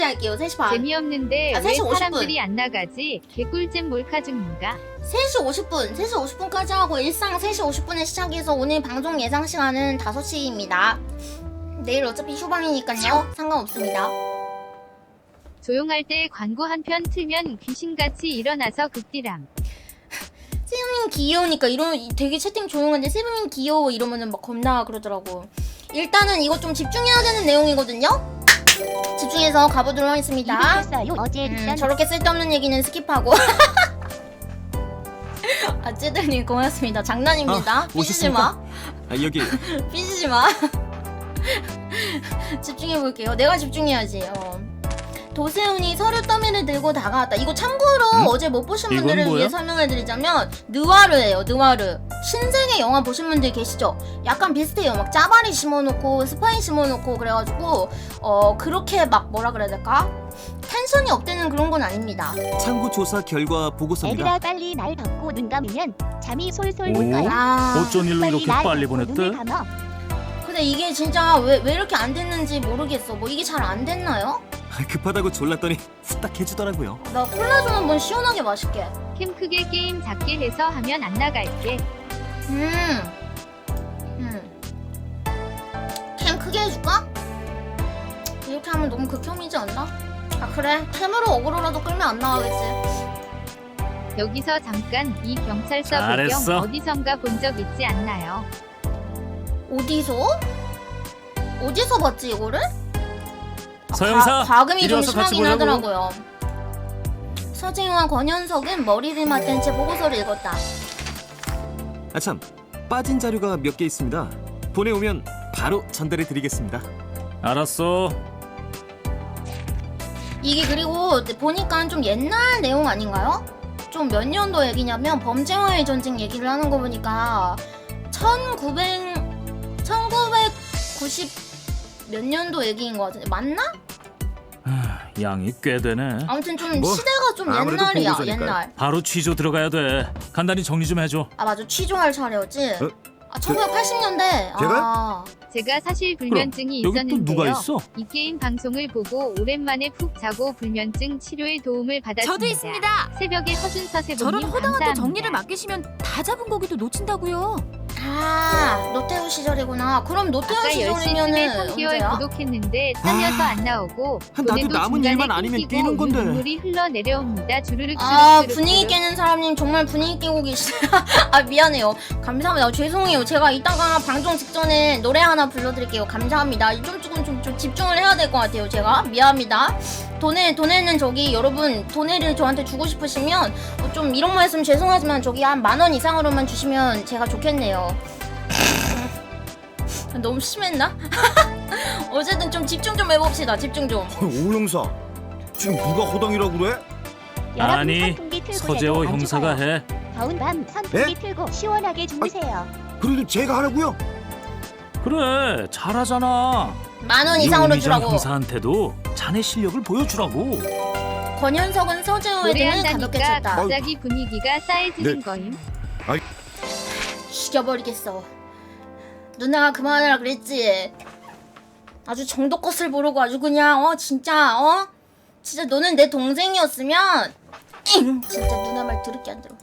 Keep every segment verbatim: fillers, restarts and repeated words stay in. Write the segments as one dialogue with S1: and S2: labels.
S1: 할게요. 세 시 반.
S2: 재미없는데
S1: 아,
S2: 왜
S1: 세 시 오십 분.
S2: 사람들이 안 나가지? 개꿀잼 몰카 중인가?
S1: 세 시 오십 분. 세 시 오십 분까지 하고 일상 세 시 오십 분에 시작해서 오늘 방송 예상 시간은 다섯 시입니다. 내일 어차피 휴방이니까요. 상관없습니다.
S2: 조용할 때 광고 한 편 틀면 귀신같이 일어나서 극디람.
S1: 세븐님 귀여우니까 이런 되게 채팅 조용한데 세븐님 귀여워 이러면은 막 겁나 그러더라고. 일단은 이거 좀 집중해야 되는 내용이거든요. 집중해서 가보도록 하겠습니다.
S3: 어제
S1: 음, 저렇게 쓸데없는 얘기는 스킵하고. 아 찌들님 고맙습니다. 장난입니다.
S4: 아,
S1: 삐지지 마.
S4: 아, 여기
S1: 삐지지 마. 집중해볼게요. 내가 집중해야지. 어. 도세훈이 서류 더미를 들고 다가왔다. 이거 참고로
S4: 음?
S1: 어제 못 보신
S4: 이건
S1: 분들을
S4: 뭐야?
S1: 위해 설명해드리자면 느와르예요. 느와르. 신세계 영화 보신 분들 계시죠? 약간 비슷해요. 막 짜바리 심어놓고 스파이 심어놓고 그래가지고 어 그렇게 막 뭐라 그래야 될까? 텐션이 업되는 그런 건 아닙니다.
S4: 참고 조사 결과 보고서입니다.
S3: 애들아 빨리 날 덮고 눈 감으면 잠이 솔솔
S5: 오?
S3: 올 거야.
S1: 아
S5: 어쩐 일로 이렇게
S3: 날
S5: 빨리
S3: 덮고 눈을
S5: 보냈대?
S3: 감아.
S1: 근데 이게 진짜 왜, 왜 이렇게 안 됐는지 모르겠어. 뭐 이게 잘 안 됐나요?
S4: 급하다고 졸랐더니 후딱 해주더라고요.
S1: 나 콜라 좀 한번 시원하게 마실게.
S2: 캠 크게 게임 작게 해서 하면 안 나갈게.
S1: 음. 음. 캠 크게 해줄까? 이렇게 하면 너무 극혐이지 않나? 아 그래 캠으로 어그로라도 끌면 안 나가겠지.
S2: 여기서 잠깐 이 경찰서
S5: 잘했어.
S2: 배경 어디선가 본 적 있지 않나요?
S1: 어디서? 어디서 봤지 이거를? 아,
S5: 서영사,
S1: 과, 과금이
S5: 이리
S1: 좀
S5: 와서 같이
S1: 심하긴
S5: 보자고.
S1: 하더라고요. 서재희와 권현석은 머리를 맞댄 채 보고서를 읽었다.
S4: 아참, 빠진 자료가 몇 개 있습니다. 보내오면 바로 전달해드리겠습니다.
S5: 알았어.
S1: 이게 그리고 보니까 좀 옛날 내용 아닌가요? 좀 몇 년도 얘기냐면 범죄와의 전쟁 얘기를 하는 거 보니까 천구백, 천구백구십 몇 년도 얘기인 것 같은데 맞나?
S5: 하, 양이 꽤 되네.
S1: 아무튼 좀
S4: 뭐,
S1: 시대가 좀
S4: 아무래도
S1: 옛날이야.
S4: 보고서니까요.
S1: 옛날.
S5: 바로 취조 들어가야 돼. 간단히 정리 좀 해줘.
S1: 아 맞아 취조할 차례였지?
S4: 어?
S1: 아 천구백팔십 년대.
S4: 제가요?
S1: 아,
S2: 제가 사실 불면증이
S5: 여기 또
S2: 있었는데요.
S5: 누가 있어?
S2: 이 게임 방송을 보고 오랜만에 푹 자고 불면증 치료에 도움을 받았습니다.
S6: 저도 있습니다.
S2: 새벽에 허준서
S6: 저런
S2: 세븐님
S6: 허당한테
S2: 감사합니다.
S6: 정리를 맡기시면 다 잡은 고기도 놓친다고요.
S1: 아 노태우 시절이구나. 그럼 노태우
S2: 아까 열심히
S1: 시절이면은
S2: 삼 개월
S1: 언제야?
S2: 구독했는데 잘려서 안 나오고
S4: 아, 나도
S2: 돈에도
S4: 남은
S2: 중간에
S4: 일만 아니면
S2: 끊기고
S4: 뛰는 건데.
S2: 눈물이 흘러내려옵니다. 주르륵
S1: 아
S2: 주르륵
S1: 분위기
S2: 주르륵.
S1: 깨는 사람님 정말 분위기 깨고 계시네요. 아 미안해요. 감사합니다. 죄송해요. 제가 이따가 방송 직전에 노래 하나 불러드릴게요. 감사합니다. 좀 조금 좀, 좀 집중을 해야 될 것 같아요. 제가 미안합니다. 돈에 돈에는 저기 여러분 돈에를 저한테 주고 싶으시면 어, 좀 이런 말씀 죄송하지만 저기 한 만 원 이상으로만 주시면 제가 좋겠네요. 너무 심했나? 어쨌든 좀 집중 좀 해봅시다. 집중 좀.
S7: 오 형사, 지금 누가 허당이라고 그래?
S3: 여러분
S5: 아니,
S3: 선풍기 틀고
S5: 서재호
S3: 자도 안
S5: 형사가
S3: 죽어요.
S5: 해.
S3: 더운 밤 선풍기
S7: 예?
S3: 틀고 시원하게 주무세요.
S7: 그래도 제가 하라고요?
S5: 그래, 잘하잖아.
S1: 만 원 이상으로
S5: 이용미정
S1: 주라고.
S5: 형사한테도 자네 실력을 보여주라고.
S1: 권현석은 서재호의 등을 가볍게
S2: 노래한다니까
S1: 쳤다.
S2: 갑자기 분위기가 싸해지는
S7: 네.
S2: 거임.
S1: 죽여버리겠어. 누나가 그만하라 그랬지. 아주 정도껏을 모르고 아주 그냥 어 진짜 어 진짜 너는 내 동생이었으면 잉! 진짜 누나 말 들을게 안 들어.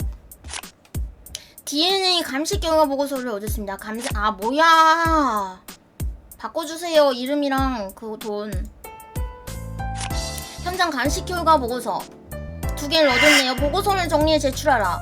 S1: 디엔에이 감식 결과 보고서를 얻었습니다. 감식 아 뭐야? 바꿔주세요 이름이랑 그 돈. 현장 감식 결과 보고서 두 개를 얻었네요. 보고서를 정리해 제출하라.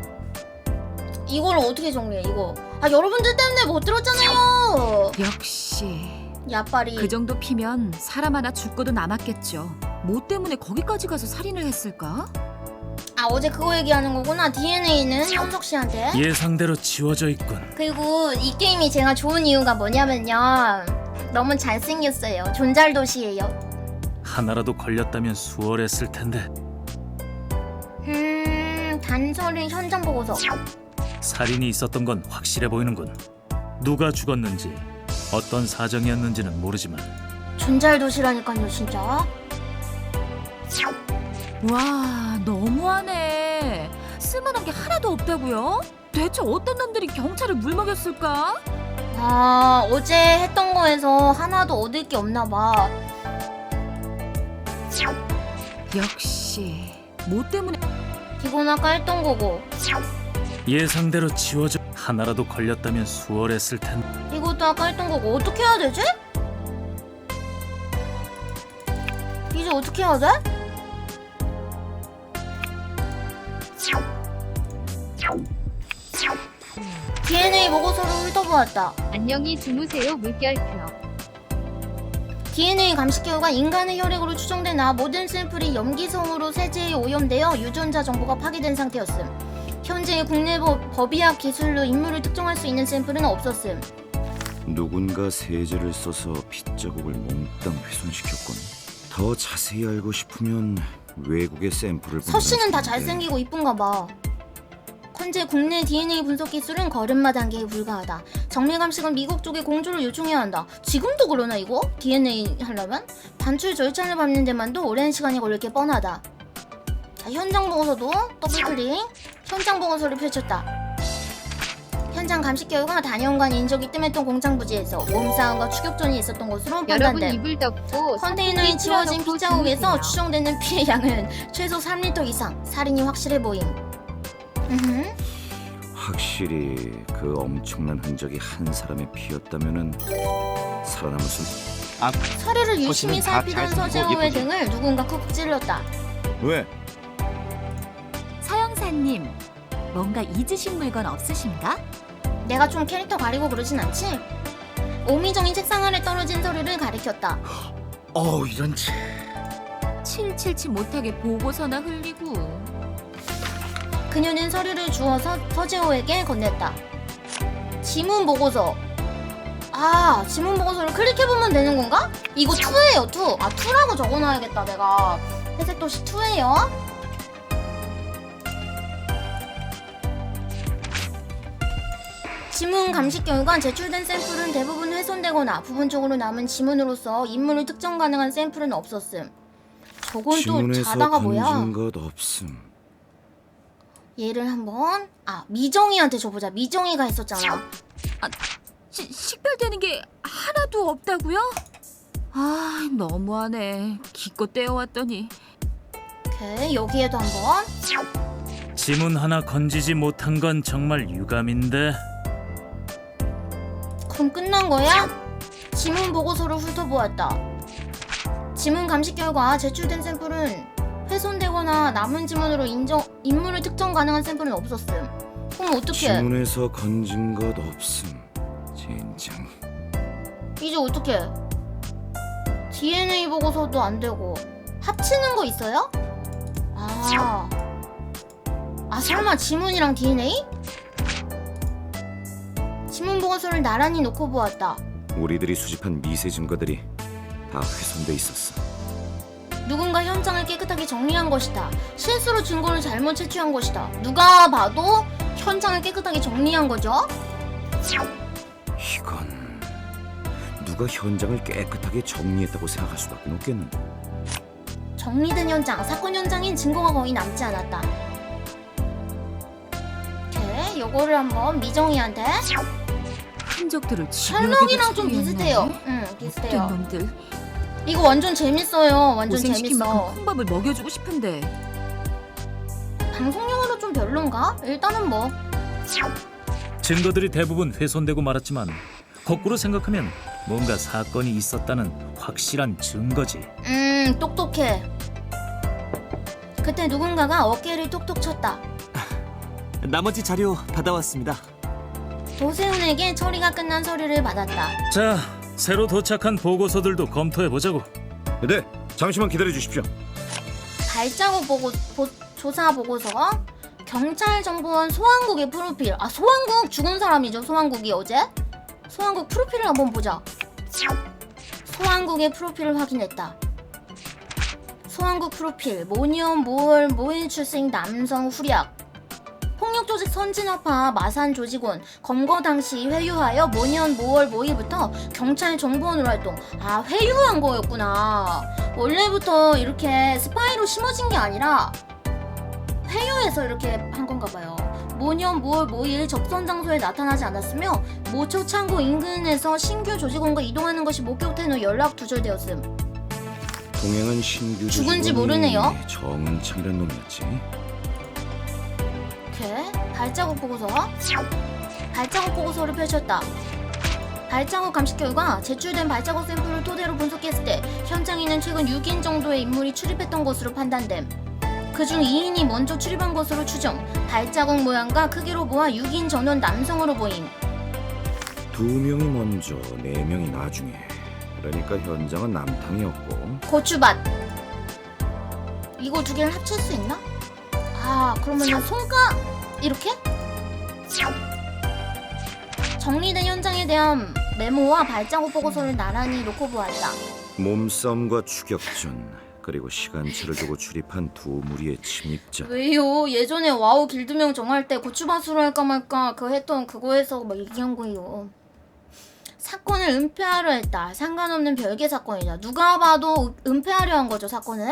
S1: 이걸 어떻게 정리해 이거? 아 여러분들 때문에 못 들었잖아요.
S6: 역시
S1: 야빨이.
S6: 그 정도 피면 사람 하나 죽고도 남았겠죠. 뭐 때문에 거기까지 가서 살인을 했을까?
S1: 아 어제 그거 얘기하는 거구나. 디엔에이는 현석 씨한테.
S5: 예상대로 지워져 있군.
S1: 그리고 이 게임이 제가 좋은 이유가 뭐냐면요. 너무 잘생겼어요. 존잘도시예요.
S5: 하나라도 걸렸다면 수월했을 텐데.
S1: 음 단서를 현장 보고서.
S5: 살인이 있었던 건 확실해 보이는군. 누가 죽었는지, 어떤 사정이었는지는 모르지만
S1: 존잘도시라니까요 진짜.
S6: 와, 너무하네. 쓸만한 게 하나도 없다고요? 대체 어떤 놈들이 경찰을 물먹였을까?
S1: 아 어제 했던 거에서 하나도 얻을 게 없나 봐.
S6: 역시 뭐 때문에
S1: 이건 아까 했던 거고
S5: 예상대로 지워져. 하나라도 걸렸다면 수월했을 텐데.
S1: 이것도 아까 했던 거고 어떻게 해야 되지? 이제 어떻게 해야 돼? 디엔에이 보고서를 훑어보았다.
S2: 안녕히 주무세요 물결표.
S1: 디엔에이 감식 결과 인간의 혈액으로 추정되나 모든 샘플이 염기성으로 세제에 오염되어 유전자 정보가 파괴된 상태였음. 현재 국내 법, 법의학 기술로 인물을 특정할 수 있는 샘플은 없었음.
S7: 누군가 세제를 써서 핏자국을 몽땅 훼손시켰군. 더 자세히 알고 싶으면 외국의 샘플을
S1: 서 씨는 다
S7: 본다는
S1: 잘생기고 이쁜가 봐. 현재 국내 디엔에이 분석 기술은 걸음마 단계에 불과하다. 정밀 감식은 미국 쪽에 공조를 요청해야 한다. 지금도 그러나 이거? 디엔에이 하려면? 반출 절차를 밟는 데만도 오랜 시간이 걸릴 게 뻔하다. 자, 현장 보고서도 더블클릭. 현장 보고서를 펼쳤다. 현장 감식 결과 단연간 인적이 뜸했던 공장 부지에서 몸싸움과 추격전이 있었던 것으로
S2: 여러분
S1: 판단됨.
S2: 이불 덮고
S1: 컨테이너에
S2: 선풍기
S1: 지워진
S2: 틀어놓고
S1: 핏자국에서
S2: 주무세요.
S1: 추정되는 피해 양은 최소 삼 리터 이상. 살인이 확실해 보임. 음흠.
S7: 확실히 그 엄청난 흔적이 한 사람의 피였다면은 살아남을 수.
S1: 서류를 유심히
S7: 거치는 다
S1: 살피던
S7: 잘
S1: 서재호의
S7: 예쁘지?
S1: 등을 누군가 쿡 찔렀다.
S7: 왜?
S6: 서영사님 뭔가 잊으신 물건 없으신가?
S1: 내가 좀 캐릭터 가리고 그러진 않지? 오미정이 책상 아래 떨어진 서류를 가리켰다.
S7: 어 이런 치.
S6: 칠칠치 못하게 보고서나 흘리고.
S1: 그녀는 서류를 주워서 서재호에게 건넸다. 지문 보고서. 아, 지문 보고서를 클릭해보면 되는 건가? 이거 이예요, 이. 아, 이라고 적어놔야겠다, 내가. 회색 도시 이예요. 지문 감식 결과 제출된 샘플은 대부분 훼손되거나 부분적으로 남은 지문으로서 인물을 특정 가능한 샘플은 없었음. 저건 또
S7: 지문에서
S1: 자다가 뭐야?
S7: 건진 것 없음.
S1: 얘를 한번 아 미정이한테 줘보자. 미정이가 했었잖아.
S6: 시, 식별되는 게 하나도 없다고요? 아 너무하네. 기껏 떼어왔더니.
S1: 오케이 여기에도 한번.
S5: 지문 하나 건지지 못한 건 정말 유감인데.
S1: 그럼 끝난 거야? 지문 보고서를 훑어보았다. 지문 감식 결과 제출된 샘플은 훼손되거나 남은 지문으로 인정 인물을 특정 가능한 샘플은 없었음. 그럼 어떡해?
S7: 지문에서 건진 것 없음. 젠장.
S1: 이제 어떡해? 디엔에이 보고서도 안 되고 합치는 거 있어요? 아, 아 설마 지문이랑 디엔에이? 지문 보고서를 나란히 놓고 보았다.
S7: 우리들이 수집한 미세 증거들이 다 훼손돼 있었어.
S1: 누군가 현장을 깨끗하게 정리한 것이다. 실수로 증거를 잘못 채취한 것이다. 누가 봐도 현장을 깨끗하게 정리한 거죠?
S7: 이건 누가 현장을 깨끗하게 정리했다고 생각할 수밖에 없겠는데.
S1: 정리된 현장, 사건 현장인 증거가 거의 남지 않았다. 오케이, 요거를 한번 미정이한테.
S6: 흔적들을
S1: 셜록이랑 좀 비슷해요. 응, 비슷해요.
S6: 못된 놈들.
S1: 이거 완전 재밌어요. 완전
S6: 고생시킨
S1: 재밌어.
S6: 만큼 콩밥을 먹여주고 싶은데.
S1: 방송용으로 좀 별론가? 일단은 뭐
S5: 증거들이 대부분 훼손되고 말았지만 거꾸로 생각하면 뭔가 사건이 있었다는 확실한 증거지.
S1: 음, 똑똑해. 그때 누군가가 어깨를 톡톡 쳤다.
S4: 나머지 자료 받아왔습니다.
S1: 도세훈에게 처리가 끝난 서류를 받았다.
S5: 자, 새로 도착한 보고서들도 검토해보자고.
S7: 네, 잠시만 기다려 주십시오.
S1: 발자국 보고, 보, 조사 보고서, 경찰 정보원 소환국의 프로필. 아, 소환국 죽은 사람이죠. 소환국이 어제. 소환국 프로필을 한번 보자. 소환국의 프로필을 확인했다. 소환국 프로필. 모년, 모월, 모일 출생 남성 후략. 폭력조직 선진화파 마산 조직원 검거 당시 회유하여 모년 모월 모일부터 경찰 정보원으로 활동. 아, 회유한 거였구나. 원래부터 이렇게 스파이로 심어진 게 아니라 회유해서 이렇게 한 건가 봐요. 모년 모월 모일 접선 장소에 나타나지 않았으며 모초 창고 인근에서 신규 조직원과 이동하는 것이 목격된 후 연락 두절되었음.
S7: 동행은 신규
S1: 죽은지
S7: 직원이
S1: 모르네요.
S7: 정은창이란 놈이었지.
S1: 이렇게 발자국 보고서 발자국 보고서를 펼쳤다. 발자국 감식 결과 제출된 발자국 샘플을 토대로 분석했을 때 현장에는 최근 육 인 정도의 인물이 출입했던 것으로 판단됨. 그중 이 인이 먼저 출입한 것으로 추정. 발자국 모양과 크기로 보아 육 인 전원 남성으로 보임.
S7: 두 명이 먼저, 네 명이 나중에. 그러니까 현장은 남탕이었고.
S1: 고추밭. 이거 두 개를 합칠 수 있나? 아, 그러면은 손가 이렇게? 정리된 현장에 대한 메모와 발자국 보고서를 나란히 놓고 보았다.
S7: 몸싸움과 추격전, 그리고 시간차를 두고 출입한 두 무리의 침입자.
S1: 왜요? 예전에 와우 길드명 정할 때 고추밭으로 할까 말까 그 했던 그거에서 막 얘기한 거예요. 사건을 은폐하려 했다. 상관없는 별개 사건이다. 누가 봐도 은폐하려 한 거죠, 사건은?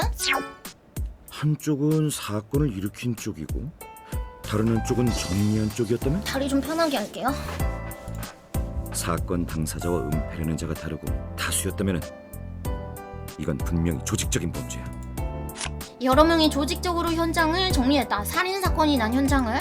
S7: 한쪽은 사건을 일으킨 쪽이고 다른 한쪽은 정리한 쪽이었다면?
S1: 다리 좀 편하게 할게요.
S7: 사건 당사자와 은폐하려는 자가 다르고 다수였다면 이건 분명히 조직적인 범죄야.
S1: 여러 명이 조직적으로 현장을 정리했다. 살인 사건이 난 현장을.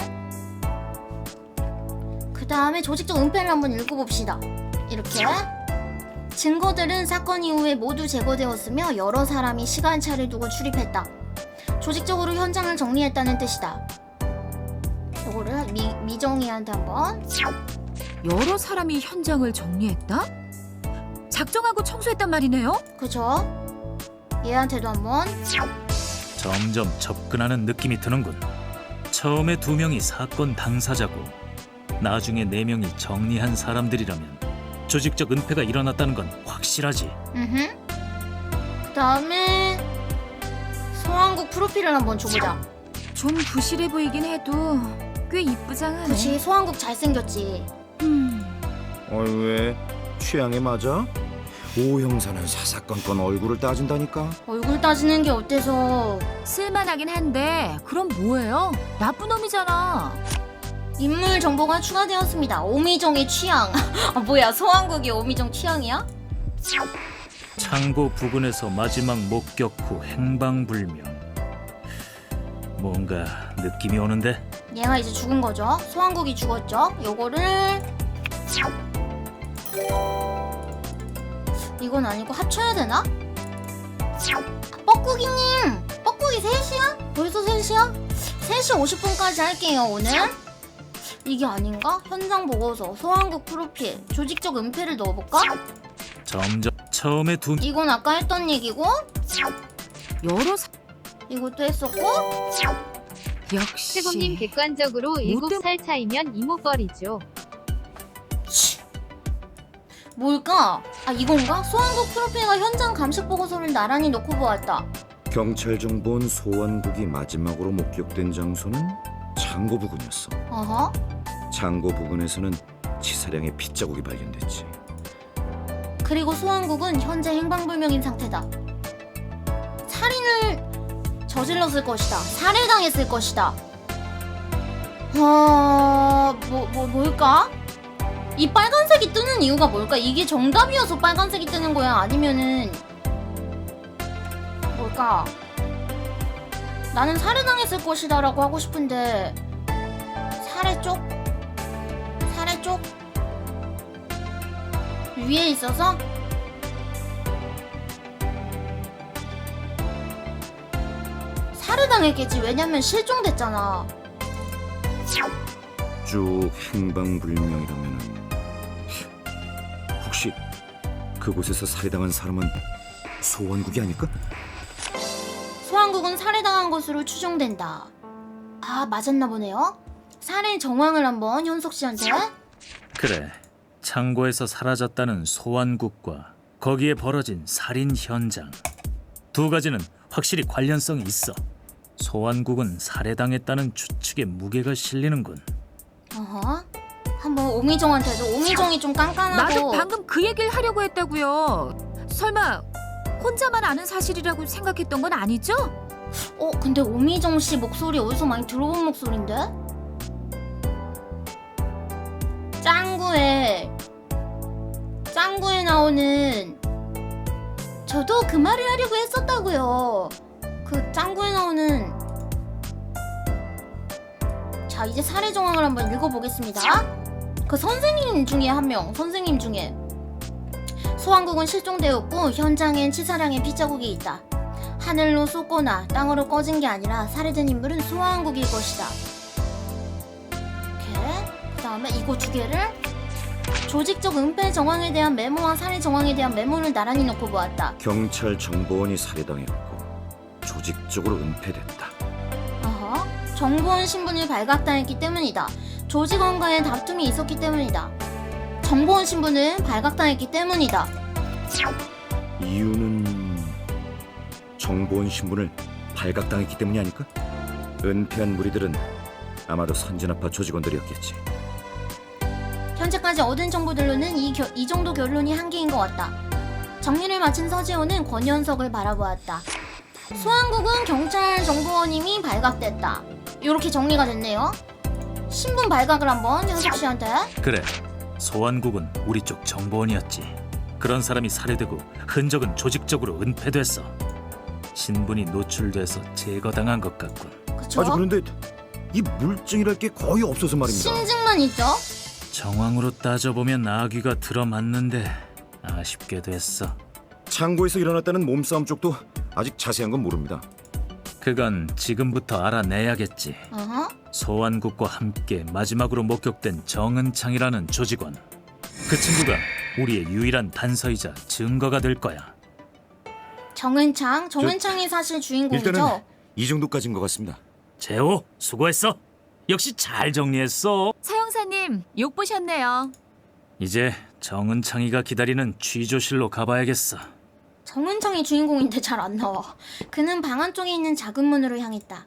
S1: 그 다음에 조직적 은폐를 한번 읽어봅시다. 이렇게 증거들은 사건 이후에 모두 제거되었으며 여러 사람이 시간차를 두고 출입했다. 조직적으로 현장을 정리했다는 뜻이다. 이거를 미, 미정이한테 한번.
S6: 여러 사람이 현장을 정리했다? 작정하고 청소했단 말이네요?
S1: 그죠? 얘한테도 한번.
S5: 점점 접근하는 느낌이 드는군. 처음에 두 명이 사건 당사자고 나중에 네 명이 정리한 사람들이라면 조직적 은폐가 일어났다는 건 확실하지.
S1: 음흠. 그 다음에 소환국 프로필을 한번 줘보자.
S6: 좀 부실해 보이긴 해도 꽤 이쁘장하네.
S1: 그치, 소환국 잘생겼지.
S6: 음,
S7: 어이 왜? 취향에 맞아? 오 형사는 사사건건 얼굴을 따진다니까.
S1: 얼굴 따지는 게 어때서.
S6: 쓸만하긴 한데 그럼 뭐예요? 나쁜 놈이잖아.
S1: 인물 정보가 추가되었습니다. 오미정의 취향. 아, 뭐야, 소환국이 오미정 취향이야?
S5: 창고 부근에서 마지막 목격 후 행방불명. 뭔가 느낌이 오는데?
S1: 얘가 이제 죽은 거죠. 소환국이 죽었죠. 요거를 이건 아니고 합쳐야 되나? 뻐꾸기님! 뻐꾸기 셋이야? 벌써 셋이야? 세 시 오십 분까지 할게요, 오늘. 이게 아닌가? 현장 보고서, 소환국 프로필, 조직적 은폐를 넣어볼까?
S5: 점점 처음에 두
S1: 이건 아까 했던 얘기고,
S6: 여러 사...
S1: 이것도 했었고,
S6: 역시
S2: 세범님 객관적으로 일곱 살 차이면 이모뻘이죠.
S1: 뭘까? 아, 이건가? 소환국 프로필과 현장 감식 보고서를 나란히 놓고 보았다.
S7: 경찰 정보원 소환국이 마지막으로 목격된 장소는 창고 부근이었어.
S1: 어허.
S7: 창고 부근에서는 치사량의 핏자국이 발견됐지.
S1: 그리고 소환국은 현재 행방불명인 상태다. 살인을 저질렀을 것이다. 살해당했을 것이다. 어... 뭐, 뭐, 뭘까? 이 빨간색이 뜨는 이유가 뭘까? 이게 정답이어서 빨간색이 뜨는 거야? 아니면은 뭘까? 나는 살해당했을 것이다 라고 하고 싶은데 살해 쪽? 살해 쪽? 위에 있어서? 살해당했겠지. 왜냐면 실종됐잖아.
S7: 쭉 행방불명이라면은 혹시 그곳에서 살해당한 사람은 소환국이 아닐까?
S1: 소환국은 살해당한 것으로 추정된다. 아, 맞았나 보네요. 살해 정황을 한번 현석 씨한테.
S5: 그래. 창고에서 사라졌다는 소환국과 거기에 벌어진 살인 현장. 두 가지는 확실히 관련성이 있어. 소환국은 살해당했다는 추측에 무게가 실리는군.
S1: 어허. 한번 오미정한테도. 오미정이 좀 깐깐하고.
S6: 나도 방금 그 얘기를 하려고 했다고요. 설마 혼자만 아는 사실이라고 생각했던 건 아니죠?
S1: 어, 근데 오미정 씨 목소리 어디서 많이 들어본 목소리인데? 짱구에 짱구에 나오는 저도 그 말을 하려고 했었다고요. 그 짱구에 나오는 자 이제 살해 정황을 한번 읽어보겠습니다. 그 선생님 중에 한 명, 선생님 중에 소환국은 실종되었고 현장엔 치사량의 핏자국이 있다. 하늘로 쏟거나 땅으로 꺼진 게 아니라 살해된 인물은 소환국일 것이다. 오케이. 그 다음에 이거 두 개를 조직적 은폐 정황에 대한 메모와 살해 정황에 대한 메모를 나란히 놓고 보았다.
S7: 경찰 정보원이 살해당했고 조직적으로 은폐됐다.
S1: 어허. 정보원 신분을 발각당했기 때문이다. 조직원과의 다툼이 있었기 때문이다. 정보원 신분을 발각당했기 때문이다.
S7: 이유는 정보원 신분을 발각당했기 때문이 아닐까? 은폐한 무리들은 아마도 선진아파 조직원들이었겠지.
S1: 현재까지 얻은 정보들로는 이, 겨, 이 정도 결론이 한계인 것 같다. 정리를 마친 서지호는 권현석을 바라보았다. 소환국은 경찰 정보원임이 발각됐다. 이렇게 정리가 됐네요. 신분 발각을 한번 현석 씨한테.
S5: 그래, 소환국은 우리 쪽 정보원이었지. 그런 사람이 살해되고 흔적은 조직적으로 은폐됐어. 신분이 노출돼서 제거당한 것 같군.
S1: 그쵸?
S7: 아주 그런데 이 물증이랄 게 거의 없어서 말입니다.
S1: 심증만 있죠?
S5: 정황으로 따져보면 아귀가 들어맞는데 아쉽게 됐어.
S7: 창고에서 일어났다는 몸싸움 쪽도 아직 자세한 건 모릅니다.
S5: 그건 지금부터 알아내야겠지.
S1: 어허.
S5: 소환국과 함께 마지막으로 목격된 정은창이라는 조직원. 그 친구가 우리의 유일한 단서이자 증거가 될 거야.
S1: 정은창? 정은창이 사실 주인공이죠?
S7: 일단은 이 정도까지인 것 같습니다.
S5: 재호, 수고했어. 역시 잘 정리했어.
S6: 사형사님, 욕 보셨네요.
S5: 이제 정은창이가 기다리는 취조실로 가봐야겠어.
S1: 정은창이 주인공인데 잘 안 나와. 그는 방 안쪽에 있는 작은 문으로 향했다.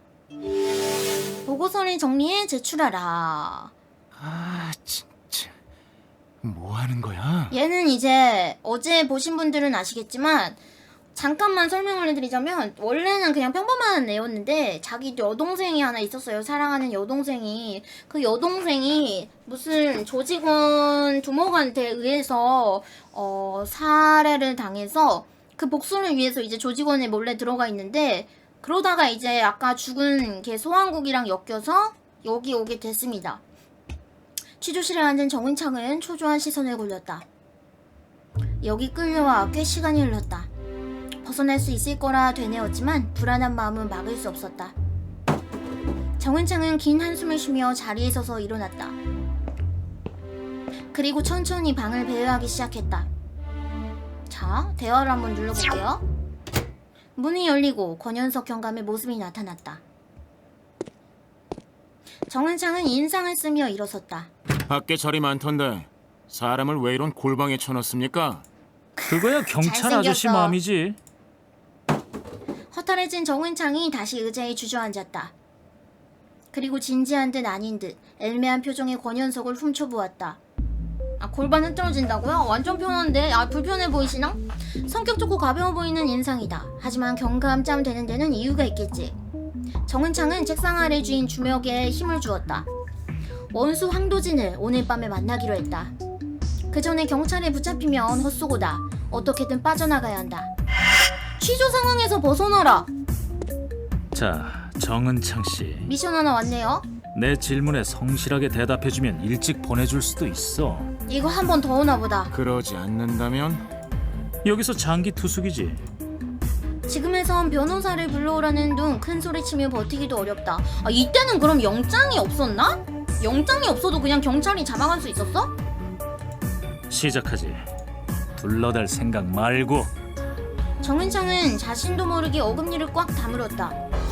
S1: 보고서를 정리해 제출하라.
S7: 아 진짜 뭐 하는 거야?
S1: 얘는 이제 어제 보신 분들은 아시겠지만 잠깐만 설명을 해드리자면 원래는 그냥 평범한 애였는데 자기 여동생이 하나 있었어요. 사랑하는 여동생이. 그 여동생이 무슨 조직원 두목한테 의해서 어, 살해를 당해서 그 복수를 위해서 이제 조직원에 몰래 들어가 있는데 그러다가 이제 아까 죽은 걔 소환국이랑 엮여서 여기 오게 됐습니다. 취조실에 앉은 정은창은 초조한 시선을 굴렸다. 여기 끌려와 꽤 시간이 흘렀다. 벗어날 수 있을 거라 되뇌었지만 불안한 마음은 막을 수 없었다. 정은창은 긴 한숨을 쉬며 자리에 서서 일어났다. 그리고 천천히 방을 배회하기 시작했다. 자, 대화를 한번 눌러볼게요. 문이 열리고 권현석 경감의 모습이 나타났다. 정은창은 인상을 쓰며 일어섰다.
S8: 밖에 자리 많던데 사람을 왜 이런 골방에 쳐넣습니까?
S5: 그거야 경찰
S1: 잘생겼어.
S5: 아저씨 마음이지.
S1: 허탈해진 정은창이 다시 의자에 주저앉았다. 그리고 진지한 듯 아닌 듯 애매한 표정의 권현석을 훔쳐보았다. 아, 골반 흐트러진다고요? 완전 편한데? 아, 불편해 보이시나? 성격 좋고 가벼워 보이는 인상이다. 하지만 경감짬 되는 데는 이유가 있겠지. 정은창은 책상 아래 쥐인 주먹에 힘을 주었다. 원수 황도진을 오늘 밤에 만나기로 했다. 그 전에 경찰에 붙잡히면 헛소고다. 어떻게든 빠져나가야 한다. 취조 상황에서 벗어나라.
S5: 자, 정은창 씨.
S1: 미션 하나 왔네요.
S5: 내 질문에 성실하게 대답해주면 일찍 보내줄 수도 있어.
S1: 이거 한 번 더 오나 보다.
S8: 그러지 않는다면
S5: 여기서 장기 투숙이지.
S1: 지금에선 변호사를 불러오라는 둥 큰 소리치며 버티기도 어렵다. 아, 이때는 그럼 영장이 없었나? 영장이 없어도 그냥 경찰이 잡아갈 수 있었어?
S5: 시작하지. 둘러댈 생각 말고.
S1: 정은창은 자신도 모르게 어금니를 꽉 다물었다.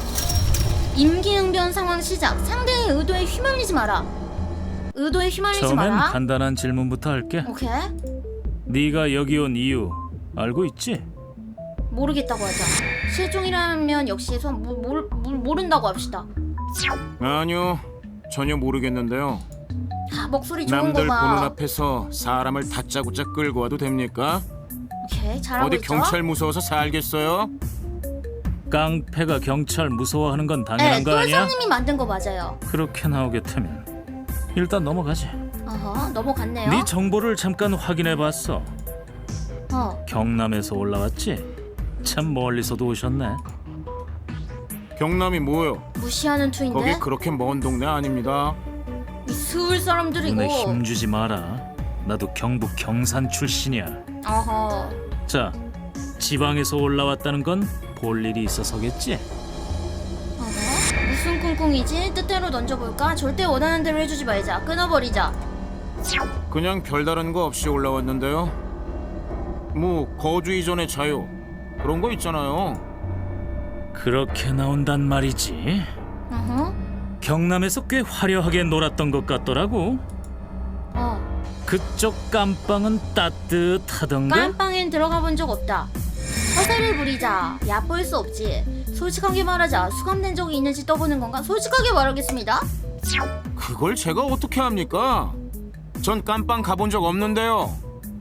S1: 임기응변 상황 시작. 상대의 의도에 휘말리지 마라. 의도에 휘말리지
S5: 처음엔
S1: 마라.
S5: 간단한 질문부터 할게.
S1: 오케이.
S5: 네가 여기 온 이유 알고 있지?
S1: 모르겠다고 하자. 실종이라면 역시 소, 모, 모, 모, 모른다고 합시다.
S8: 아니요 전혀 모르겠는데요.
S1: 아, 목소리 좋은
S8: 남들
S1: 거
S8: 보는
S1: 봐.
S8: 앞에서 사람을 다짜고짜 끌고 와도 됩니까?
S1: 오케이, 잘하고
S8: 어디
S1: 있죠?
S8: 경찰 무서워서 살겠어요?
S5: 깡패가 경찰 무서워하는 건
S1: 네,
S5: 당연한 거 아니야?
S1: 똘사님이 만든 거 맞아요.
S5: 그렇게 나오겠다면 일단 넘어가지.
S1: 어허, 넘어갔네요.
S5: 네 정보를 잠깐 확인해봤어.
S1: 어,
S5: 경남에서 올라왔지? 참 멀리서도 오셨네.
S8: 경남이 뭐요?
S1: 무시하는 투인데?
S8: 거기 그렇게 먼 동네 아닙니다.
S1: 이 서울 사람들이고.
S5: 눈에 힘주지 마라. 나도 경북 경산 출신이야.
S1: 어허.
S5: 자, 지방에서 올라왔다는 건 볼 일이 있어서겠지?
S1: 어허. 무슨 꿍꿍이지? 뜻대로 던져볼까? 절대 원하는 대로 해주지 말자. 끊어버리자.
S8: 그냥 별다른 거 없이 올라왔는데요. 뭐 거주 이전의 자유 그런 거 있잖아요.
S5: 그렇게 나온단 말이지.
S1: 어허.
S5: 경남에서 꽤 화려하게 놀았던 것 같더라고.
S1: 어.
S5: 그쪽 깜빵은 따뜻하던가?
S1: 깜빵엔 들어가 본 적 없다. 허세를 부리자. 얕볼 수 없지. 솔직하게 말하자. 수감된 적이 있는지 떠보는 건가? 솔직하게 말하겠습니다.
S8: 그걸 제가 어떻게 합니까? 전 깜빵 가본 적 없는데요.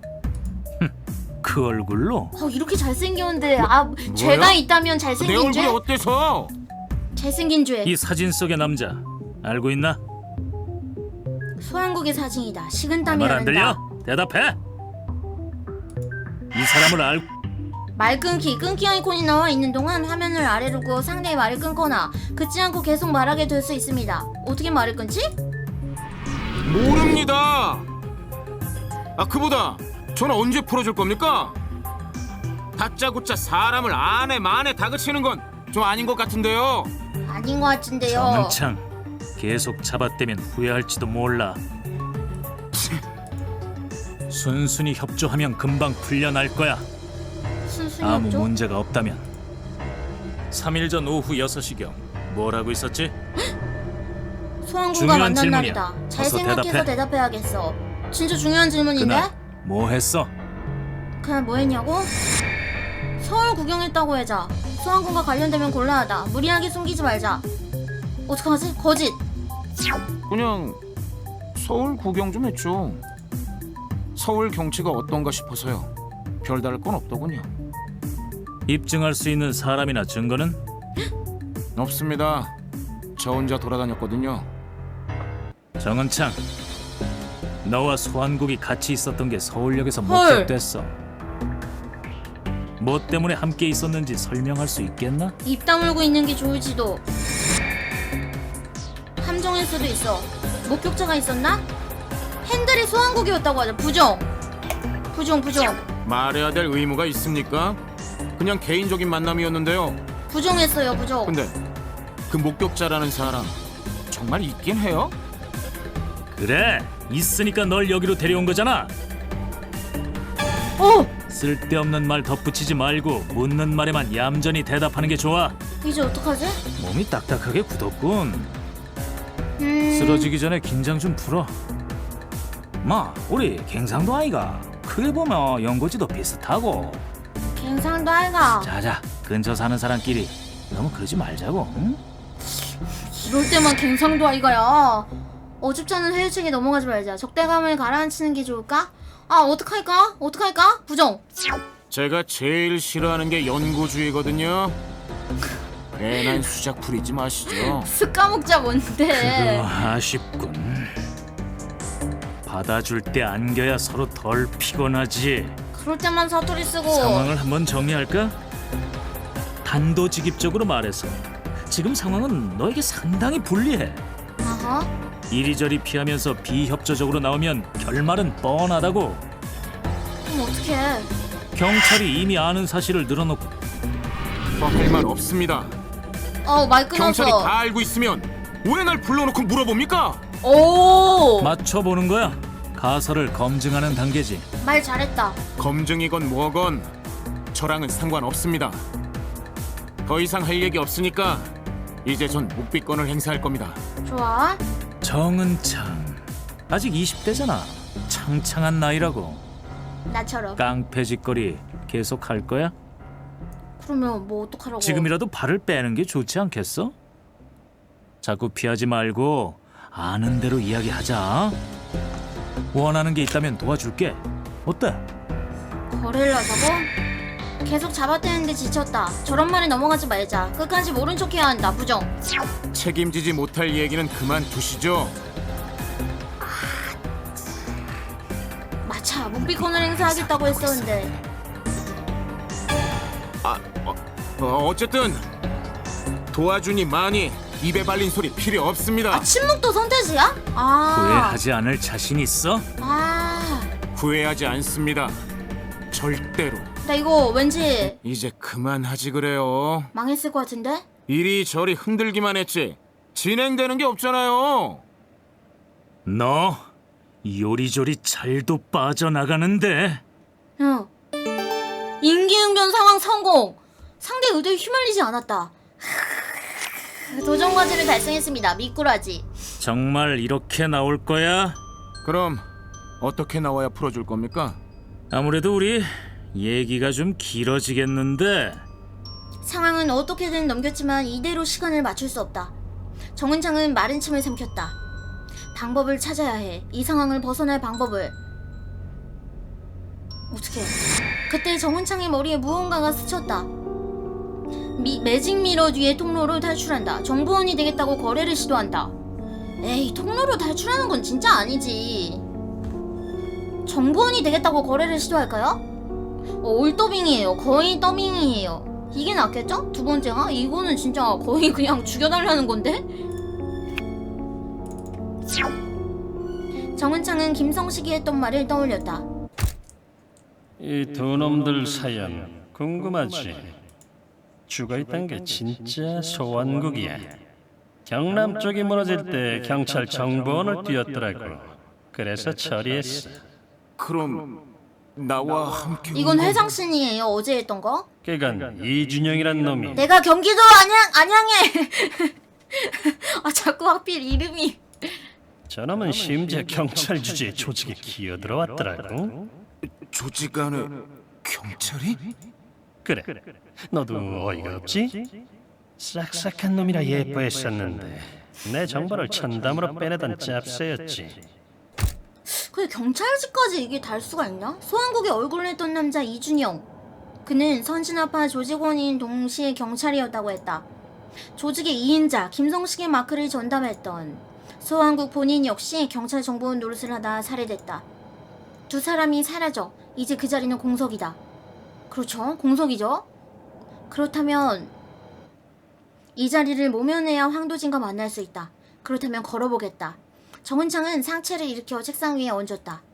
S5: 그 얼굴로?
S1: 어, 이렇게 잘생겼는데 아 죄가 있다면
S8: 내
S1: 잘생긴
S8: 얼굴이
S1: 죄?
S8: 어때서?
S1: 잘생긴 죄.
S5: 이 사진 속의 남자 알고 있나?
S1: 소한국의 사진이다. 식은땀이
S5: 말 안
S1: 나는다.
S5: 들려? 대답해! 이 사람을 알...
S1: 말 끊기. 끊기 아이콘이 나와 있는 동안 화면을 아래로 고 상대의 말을 끊거나 끊지 않고 계속 말하게 될 수 있습니다. 어떻게 말을 끊지?
S8: 모릅니다. 아 그보다 전 언제 풀어줄 겁니까? 다짜고짜 사람을 안에 만에 다그치는 건 좀 아닌 것 같은데요.
S1: 아닌 것 같은데요.
S5: 정은창 계속 잡아떼면 후회할지도 몰라. 순순히 협조하면 금방 풀려날 거야.
S1: 순순히
S5: 아무
S1: 없죠?
S5: 문제가 없다면. 삼 일 전 오후 여섯 시경 뭘 하고 있었지?
S1: 소한국과
S5: 중요한
S1: 만난
S5: 질문이야.
S1: 날이다. 잘
S5: 어서
S1: 생각해서
S5: 대답해.
S1: 대답해야겠어. 진짜 중요한 질문인데?
S5: 그날 뭐 했어?
S1: 그날 뭐 했냐고? 서울 구경했다고 해자. 소한국과 관련되면 곤란하다. 무리하게 숨기지 말자. 어떡하지? 거짓.
S8: 그냥 서울 구경 좀 했죠. 서울 경치가 어떤가 싶어서요. 별다를 건 없더군요.
S5: 입증할 수 있는 사람이나 증거는?
S8: 없습니다. 저 혼자 돌아다녔거든요.
S5: 정은창 너와 소한국이 같이 있었던 게 서울역에서
S1: 헐.
S5: 목격됐어. 뭐 때문에 함께 있었는지 설명할 수 있겠나?
S1: 입 다물고 있는 게 좋을지도. 함정일 수도 있어. 목격자가 있었나? 핸들이 소한국이었다고 하자. 부정. 부정 부정.
S8: 말해야 될 의무가 있습니까? 그냥 개인적인 만남이었는데요.
S1: 부정했어요. 부정.
S8: 근데 그 목격자라는 사람 정말 있긴 해요?
S5: 그래 있으니까 널 여기로 데려온 거잖아.
S1: 어!
S5: 쓸데없는 말 덧붙이지 말고 묻는 말에만 얌전히 대답하는 게 좋아.
S1: 이제 어떡하지?
S5: 몸이 딱딱하게 굳었군.
S1: 음...
S5: 쓰러지기 전에 긴장 좀 풀어. 마 우리 갱상도 아이가 크게 보면 연고지도 비슷하고.
S1: 갱상도 아이가.
S5: 자자 근처 사는 사람끼리 너무 그러지 말자고. 응?
S1: 이럴 때만 갱상도 아이가야. 어줍지 않은 회유책에 넘어가지 말자. 적대감을 가라앉히는 게 좋을까? 아 어떡할까? 어떡할까? 부정.
S8: 제가 제일 싫어하는 게 연고주의거든요. 괜한 수작 부리지 마시죠.
S1: 쓱 까먹자 뭔데.
S5: 그거 아쉽군. 받아줄 때 안겨야 서로 덜 피곤하지.
S1: 그럴 때만 사투리 쓰고.
S5: 상황을 한번 정리할까? 단도직입적으로 말해서 지금 상황은 너에게 상당히 불리해.
S1: 아하.
S5: 이리저리 피하면서 비협조적으로 나오면 결말은 뻔하다고.
S1: 그럼 어떡해.
S5: 경찰이 이미 아는 사실을 늘어놓고
S8: 뭐 할 말 없습니다.
S1: 어 말 끊었어.
S8: 경찰이 다 알고 있으면 왜 날 불러놓고 물어봅니까?
S1: 오.
S5: 맞춰보는 거야. 가설을 검증하는 단계지.
S1: 말 잘했다.
S8: 검증이건 뭐건 저랑은 상관없습니다. 더 이상 할 얘기 없으니까 이제 전 묵비권을 행사할 겁니다.
S1: 좋아.
S5: 정은창 아직 이십 대잖아. 창창한 나이라고.
S1: 나처럼.
S5: 깡패짓거리 계속 할 거야?
S1: 그러면 뭐 어떡하라고.
S5: 지금이라도 발을 빼는 게 좋지 않겠어? 자꾸 피하지 말고 아는 대로 이야기하자. 원하는 게 있다면 도와줄게. 어때?
S1: 거래를 하자고? 계속 잡아떼는데 지쳤다. 저런 말에 넘어가지 말자. 끝까지 모른 척해야 한다. 부정.
S8: 책임지지 못할 얘기는 그만두시죠.
S1: 마차 묵비권을 행사하겠다고 했었는데.
S8: 아, 어, 어쨌든 도와주니 많이 입에 발린 소리 필요 없습니다.
S1: 아 침묵도 선택이야? 아.
S5: 후회하지 않을 자신 있어?
S1: 아.
S8: 후회하지 않습니다. 절대로.
S1: 나 이거 왠지
S8: 이제 그만하지 그래요.
S1: 망했을 것 같은데?
S8: 이리저리 흔들기만 했지 진행되는 게 없잖아요.
S5: 너 요리조리 잘도 빠져나가는데.
S1: 응. 인기응변 상황 성공. 상대 의도에 휘말리지 않았다. 도전 과제를 달성했습니다. 미꾸라지.
S5: 정말 이렇게 나올 거야?
S8: 그럼 어떻게 나와야 풀어줄 겁니까?
S5: 아무래도 우리 얘기가 좀 길어지겠는데.
S1: 상황은 어떻게든 넘겼지만 이대로 시간을 맞출 수 없다. 정은창은 마른 침을 삼켰다. 방법을 찾아야 해. 이 상황을 벗어날 방법을. 어떻게? 그때 정은창의 머리에 무언가가 스쳤다. 미, 매직 미러 뒤에 통로로 탈출한다. 정보원이 되겠다고 거래를 시도한다. 에이, 통로로 탈출하는 건 진짜 아니지. 정보원이 되겠다고 거래를 시도할까요? 어, 올더빙이에요. 거의 더빙이에요. 이게 낫겠죠? 두 번째가? 이거는 진짜 거의 그냥 죽여달라는 건데? 정은창은 김성식이 했던 말을 떠올렸다.
S9: 이 두 놈들 사연 궁금하지? 죽어있던 게 진짜 소환국이야. 경남 쪽이 무너질 때 경찰 정보원을 띄웠더라고. 그래서 처리했어.
S8: 그럼 나와 함께
S1: 이건 회상신이에요. 어제 했던 거?
S9: 그간 이준영이란 놈이
S1: 내가 경기도 안양, 안양에! 아 자꾸 하필 이름이.
S9: 저놈은 심지어 경찰 주재의 조직에 기어들어왔더라고.
S8: 조직 안에 경찰이?
S9: 그래, 너도 어이가 없지? 싹싹한 놈이라 예뻐했었는데 내 정보를 천담으로 빼내던 짭새였지.
S1: 근데 경찰직까지 이게 달 수가 있나? 소환국의 얼굴을 했던 남자 이준영. 그는 선진아파 조직원인 동시에 경찰이었다고 했다. 조직의 이인자 김성식의 마크를 전담했던 소환국 본인 역시 경찰 정보원 노릇을 하다 살해됐다. 두 사람이 사라져 이제 그 자리는 공석이다. 그렇죠, 공석이죠. 그렇다면 이 자리를 모면해야 황도진과 만날 수 있다. 그렇다면 걸어보겠다. 정은창은 상체를 일으켜 책상 위에 얹었다.